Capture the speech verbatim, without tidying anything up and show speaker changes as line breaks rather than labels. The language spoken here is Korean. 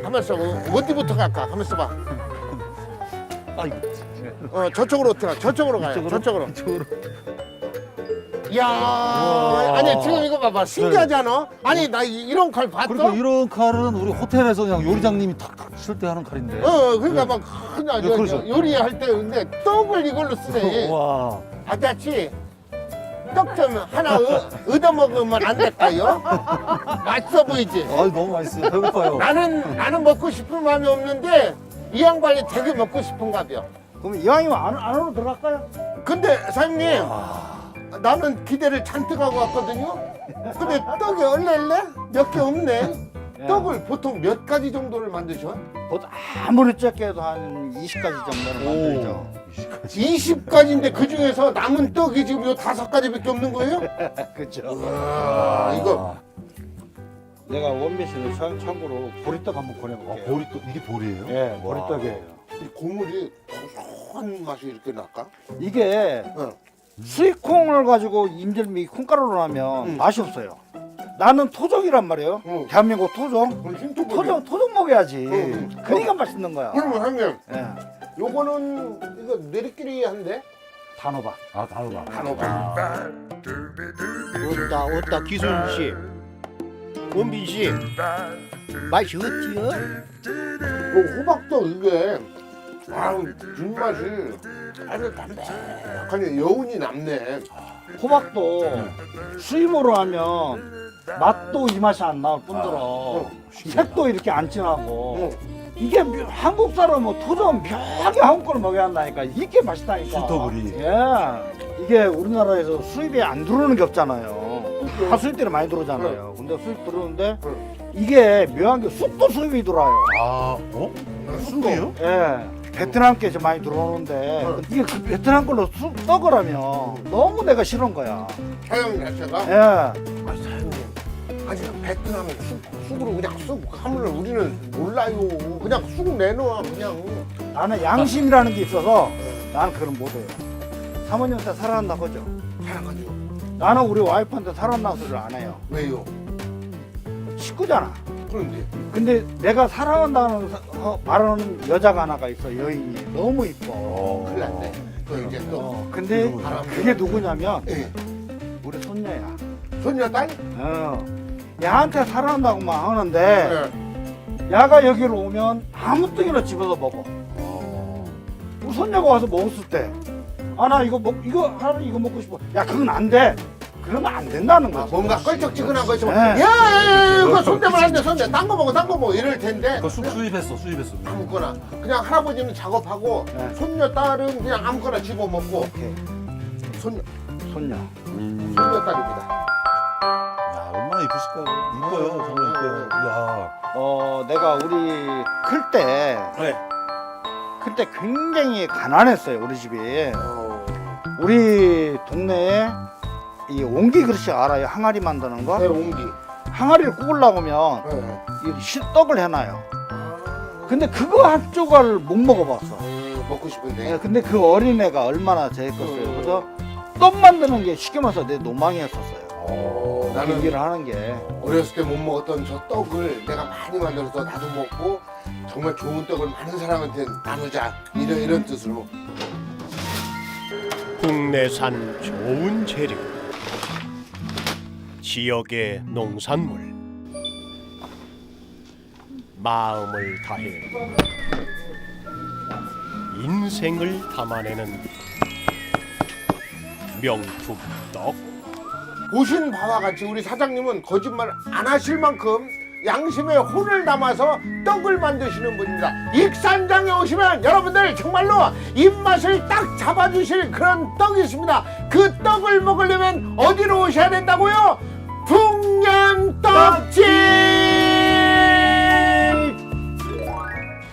가만 있어. 어디부터 갈까? 가만 있어봐.
아이고.
어, 저쪽으로 어떻게 가? 저쪽으로 가요.
이쪽으로?
저쪽으로.
이쪽으로.
이야, 아니 지금 이거 봐봐. 신기하지 않아? 아니 나 이- 이런 칼 봤어?
그러니까 이런 칼은 우리 호텔에서 그냥 요리장님이 탁탁 칠 때 하는 칼인데.
어, 그러니까 막 그냥
네,
요-
그렇죠.
요리할 때 근데 떡을 이걸로 쓰네.
와.
아저씨, 떡 좀 하나 얻- 얻어 먹으면 안 될까요? 맛있어 보이지?
아, 너무 맛있어요. 배고파요.
나는 나는 먹고 싶은 마음이 없는데 이 양반이 되게 먹고 싶은가 봐요.
그럼 이왕이면 안, 안으로 들어갈까요?
근데 사장님, 나는 기대를 잔뜩 하고 왔거든요. 근데 떡이 얼레얼레 몇 개 없네.
예.
떡을 보통 몇 가지 정도를 만드셔?
보통 아무리 적게 해도 한 이십 가지 정도는 만들죠.
이십 가지인데 그 중에서 남은 떡이 지금 요 다섯 가지밖에 없는 거예요?
그렇죠.
와, 이거
내가 원빈씨는 참, 참고로 보리떡 한번 보내볼게요.
보리떡, 이게 보리예요?
예, 보리떡이에요.
이 국물이 고소한 맛이 이렇게 날까?
이게
어.
수익콩을 가지고 임절미 콩가루로 하면
음.
맛이 없어요. 나는 토종이란 말이에요.
음.
대한민국 토종.
그럼 힘좀
토종 토종 먹어야지.
음.
그러니까 맛있는 거야.
그러면 형님,
예.
요거는 이거 내리끼리 한데?
단호박.
아, 단호박.
단호박.
어따 어따 기순씨 원빈씨 맛이 어때요?
그 호박도 이게 아우 뒷맛이 아주 담백하니 여운이 남네.
호박도 수입으로 하면 맛도 이 맛이 안 나올 뿐더러
어,
색도 이렇게 안 진하고
어.
이게 묘- 한국 사람은 토종 묘하게 한국 걸 먹어야 한다니까 이게 맛있다니까.
신토부리.
예. 이게 우리나라에서 수입이 안 들어오는 게 없잖아요. 다 수입들이 많이 들어오잖아요. 근데 수입 들어오는데 이게 묘한 게 쑥도 수입이 들어와요.
아, 어? 쑥이요?
예. 베트남 게 좀 많이 들어오는데 이게 그 베트남 걸로 쑥 떡을 하면 너무 내가 싫은 거야.
사장 자체가
예.
아 사장님 아니 베트남은 쑥, 쑥으로 그냥 쑥 하면 우리는 몰라요. 그냥 쑥 내놓아 그냥.
나는 양심이라는 게 있어서 나는 그런 못해요. 사모님한테 사랑한다고 하죠.
사랑하죠.
나는 우리 와이프한테 사랑한다는 소리를 안 해요.
왜요?
식구잖아.
그런데
근데 내가 사랑한다는 사- 어, 말하는 여자가 하나가 있어. 여인이 너무 이뻐.
큰일 났네. 또 이제 또
어, 근데
바람
그게 누구냐면
예.
우리 손녀야.
손녀 딸?
어. 야한테 사랑한다고만 하는데
네.
야가 여기로 오면 아무 떡이나 집어서 먹어. 우리 손녀가 와서 먹었을 때, 아 나 이거 먹 이거 하루 이거 먹고 싶어. 야 그건 안 돼. 그러면 안 된다는
아,
거지.
뭔가 껄쩍지근한 거 있으면
네.
야, 야, 야, 이거 손대면 안 돼, 손대. 딴 거 먹어, 딴 거 먹어 이럴 텐데
그 쑥 수입했어, 수입했어.
아무거나 그냥 할아버지는 작업하고
네.
손녀 딸은 그냥 아무거나 집어 먹고
오케이.
손녀
손녀.
손녀 딸입니다.
야, 얼마나 이쁘실까? 이뻐요, 정말 이뻐요. 야.
어 내가 우리 클 때,
네.
클 때 굉장히 가난했어요 우리 집이.
어,
우리 동네에 이 옹기 그릇이 알아요? 항아리 만드는 거?
네, 옹기.
항아리를 구우려고 하면
네.
이 실떡을 해놔요.
아,
근데 그거 한 조각을 못 먹어봤어.
음, 먹고 싶은데.
예, 근데 그 어린애가 얼마나 재밌겠어요. 그래서 떡 만드는 게 쉽게 말해서 내 로망이었었어요.
어,
그
나는
일을 하는 게.
어렸을 때 못 먹었던 저 떡을 내가 많이 만들어서 나도 먹고 정말 좋은 떡을 많은 사람한테 나누자 이런 이런 뜻으로.
국내산 좋은 재료, 지역의 농산물, 마음을 다해 인생을 담아내는 명품 떡.
보신 바와 같이 우리 사장님은 거짓말 안 하실 만큼 양심에 혼을 담아서 떡을 만드시는 분입니다. 익산장에 오시면 여러분들 정말로 입맛을 딱 잡아주실 그런 떡이 있습니다. 그 떡을 먹으려면 어디로 오셔야 된다고요?